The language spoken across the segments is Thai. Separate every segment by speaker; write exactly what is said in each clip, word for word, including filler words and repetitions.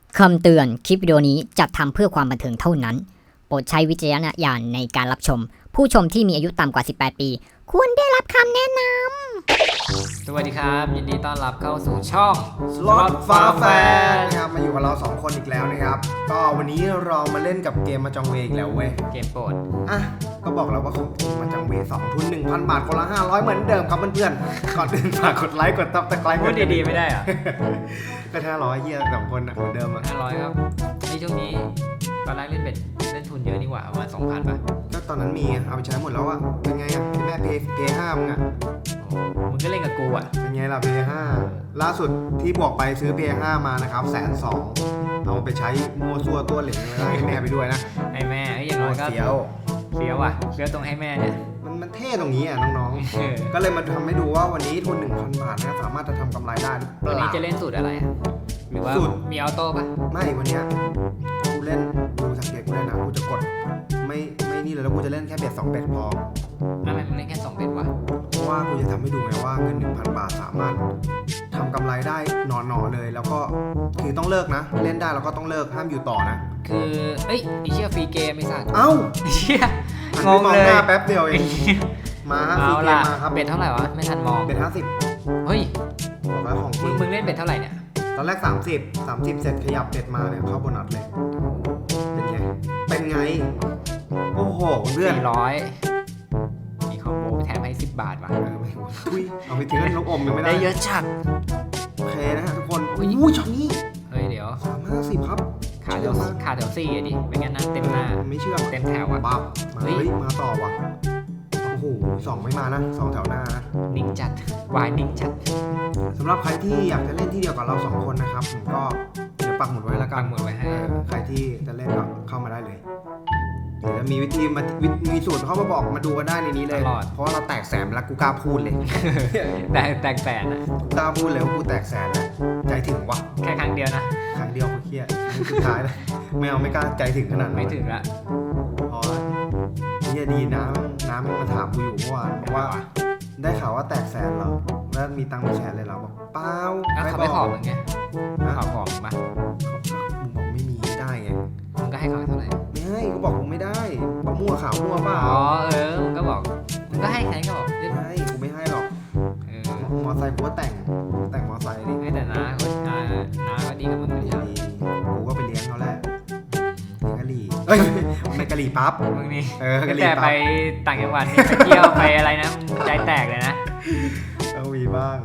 Speaker 1: คำเตือนคลิปวิดีโอนี้จัดทำเพื่อความบันเทิงเท่านั้นโปรดใช้วิจารณญาณในการรับชมผู้ชมที่มีอายุต่ำกว่าสิบแปดปีควรได้รับคำแนะน
Speaker 2: ำสวัสดีครับยินดีต้อนรับเข้าสู่ช่อง
Speaker 3: Slot Far Fan นะครับมาอยู่กับเราสองคนอีกแล้วนะครับก็วันนี้เรามาเล่นกับเกมมาจังเวอีกแล้วเว้ย
Speaker 2: เกมโปรด
Speaker 3: อ่ะก็บอกแล้วว่าของทีมมาจังเวสองทุน หนึ่งพัน บาทคนละห้าร้อยเหมือนเดิมครับเพื่อนๆก่อนอื่นฝากกดไลค์กดซับสไครป์
Speaker 2: พูดดีๆไม่ได้เหรอ
Speaker 3: ก็ห้าร้อยเหี้ยสองคนอ่ะเหมือนเดิมอ่ะ
Speaker 2: ห้าร้อยครับในช่วงนี้ตอนแรกเล่นเบ็ดเล่นทุนเยอะนี่หว่าประมาณ สองพัน ป่ะ
Speaker 3: ก็ตอนนั้นมีเอาไปใช้หมดแล้วอ่ะเป็นไงอ่ะที่แม่เพย์เพย์ห้ามึงอ่ะ
Speaker 2: มึงก็เล่นกับกูอ่ะ
Speaker 3: เป็นไงล่ะเพย์ห้าล่าสุดที่บอกไปซื้อเพย์ห้ามานะครับแสนสองเอาไปใช้มัวซัวตัวเหล็กให้แม่ไปด้วยนะ
Speaker 2: ให้แม่อย่างน้อยก็
Speaker 3: เสียว
Speaker 2: เสียวอ่ะเสียวตรงให้แม่เนี่ย
Speaker 3: มันมันเท่ตรงนี้อ่ะน้องๆก็เลยมาทำให้ดูว่าวันนี้ทุน หนึ่งพัน บาทนะสามารถจะทำกำไรได้หรือเปล่า
Speaker 2: วันนี้จะเล่นสูตรอะไรหรือว่ามีออโต้ป่ะ
Speaker 3: ไม่วันนี้กูเล่นดูสังเกตกูเล่นนะกูจะกดไม่ไม่นี่เลยแล้วกูจะเล่นแค่เบ็ดสองเบ็ดพอ
Speaker 2: ทำไมมึงเล่นแค่สองเบ็ดวะ
Speaker 3: เพราะว่ากูจะทำให้ดูไงว่าเงิน หนึ่งพัน บาทสามารถทำกำไรได้หนอๆเลยแล้วก็คือต้องเลิกนะเล่นได้แล้วก็ต้องเลิกห้ามอยู่ต่อนะ
Speaker 2: คือเอ้ยไอเชี่ยฟรีเกมไอสัตว์
Speaker 3: เอ้า
Speaker 2: เชี่ย
Speaker 3: งงเลยแป๊บเดียวเองมาฟรีเกมมาครับ
Speaker 2: เบ็ดเท่าไหร่วะไม่ทันมอง
Speaker 3: เบ็ดห้าสิบ
Speaker 2: เฮ้ย
Speaker 3: บอกแล้วของจริง
Speaker 2: มึงเล่นเบ็ดเท่าไหร่เนี่ย
Speaker 3: ตอนแรกสามสิบ สามสิบเสร็จขยับเบ็ดมาเนี่ยเข้าโบนัสเลยเป็นไงเป็นไงโอ้โหเพื่อน
Speaker 2: สี่ร้อยมีคอมโบแถมให้สิบบาทว่ะ
Speaker 3: เออไม่ทุยเอาไปถึงลูกอมยังไม่ได้
Speaker 2: ได้เยอะจัด
Speaker 3: โอเคนะฮะทุกคนอู้ช็อตนี้
Speaker 2: เฮ้ยเดี๋ยว
Speaker 3: สามห้าสิบครับ
Speaker 2: ขาแถวขาแถวสี่อ่ะดิไม่งั้นนะเต็มหน้า
Speaker 3: ไม่เชื่อ
Speaker 2: เต็มแถวอ่ะ
Speaker 3: บับมาเฮ้ยมาต่อว่ะโอ้โหสองไม่มานะสองแถวหน้านะ
Speaker 2: นิ่งจัดวายนิ่งจัด
Speaker 3: สำหรับใครที่อยากจะเล่นที่เดียวกับเราสองคนนะครับผมก็เดี๋ยวปักหมุดไว้แล้วกัน
Speaker 2: ปักหมุดไว้ให้
Speaker 3: ใครที่จะเล่นก็เข้ามาได้เลยเดี๋ยวมีวิธีมามีสูตรเข้ามาบอกมาดูกันได้ในนี้เลยเพราะเราแตกแสนแล้วกูกล้าพูดเลย
Speaker 2: แต่แตกแสนนะ
Speaker 3: กูกล้าพูดเลยว่ากูแตกแสนแล้วใจถึงวะ
Speaker 2: แค่ครั้งเดียวนะ
Speaker 3: ครั้งเดียวกูเครียดสุดท้ายแล้วไม่เอาไม่กล้าใจถึงขนาด
Speaker 2: ไม่ถึงละ
Speaker 3: พอเนี่ยดีนะน้ำมันมาถามกูอยู่เมื่อวานบอกว่าได้ข่าวว่าแตกแสนเหรอแล้วมีตังค์มาแชร์เลยเหรอบอกเปล่า
Speaker 2: เขาไม่ขอมึงไงขอขอมึงปะ
Speaker 3: มึงบอกไม่มีได้ไง
Speaker 2: มึงก็ให้เขาเท่าไหร่
Speaker 3: ไม่ให้ก็บอกกูไม่ได้บอกมั่วข่าวมั่วเปล่า
Speaker 2: อ๋อเออมึงก็บอกมึงก็ให้ใครก็บอก
Speaker 3: ไม่ให้กูไม่ให้หรอกเออมอไซค์กูก็แต่งแต่งมอไซค์ดิ
Speaker 2: ไม่แต่น้าเขาน้าน้าก็ดีกับมึงเลยใช่ไหม
Speaker 3: กูก็ไปเลี้ยงเขาแหละกะหรี่เอ้ยไม่กะหรี่ปั๊บ
Speaker 2: มึงนี่
Speaker 3: เออกะหรี่
Speaker 2: ปั๊บแต่ไปต่างจังหวัดไปเที่ยวไปอะไรนะใจแตกเลยนะ
Speaker 3: ต้องมีบ้าง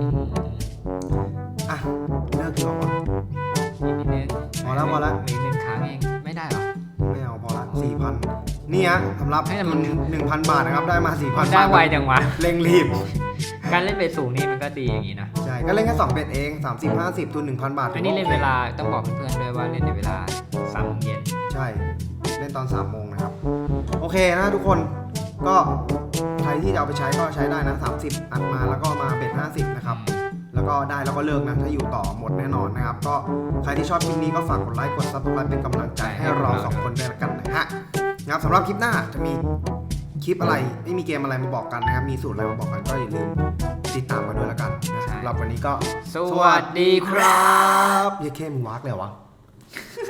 Speaker 3: อ่ะเลิกดีกว่า
Speaker 2: อีกนิดนึง
Speaker 3: พอแล้วพอแล้ว
Speaker 2: อีกหนึ่งครั้งเองไม่ได้หรอ
Speaker 3: ไม่เอาพอละสี่พันนี่ฮะสำหรับให้มันหนึ่งพันบาทนะครับได้มาสี่พัน
Speaker 2: ได้ไวจังวะ
Speaker 3: เร่งรีบ
Speaker 2: การเล่นเบ็ดสูงนี่มันก็ดีอย่างนี้นะ
Speaker 3: ใช่ก็เล่นแค่สองเบ็ดเองสามสิบ ห้าสิบทุน หนึ่งพัน บาท
Speaker 2: อันนี้เล่นเวลาต้องบอกเพื่อนๆด้วยว่าเล่นในเวลาสามโมงเย็น
Speaker 3: ใช่เล่นตอนสามโมงนะครับโอเคนะทุกคนก็ใครที่จะเอาไปใช้ก็ใช้ได้นะสามสิบอัดมาแล้วก็มาเบ็ดห้าสิบนะครับแล้วก็ได้แล้วก็เลิกนะถ้าอยู่ต่อหมดแน่นอนนะครับก็ใครที่ชอบคลิปนี้ก็ฝากกดไลค์กดซับสไครป์เป็นกำลังใจให้เราสองคนด้วยกันนะฮะนะครับสำหรับคลิปหน้าจะมีคลิปอะไรไม่มีเกมอะไรมาบอกกันนะครับมีสูตรอะไรมาบอกกันก็อย่าลืมติดตามมาด้วยแล้วกันนะสำหรับวันนี้ก็
Speaker 2: สวัสดีครับ
Speaker 3: เย้เข้มวักเลยวะ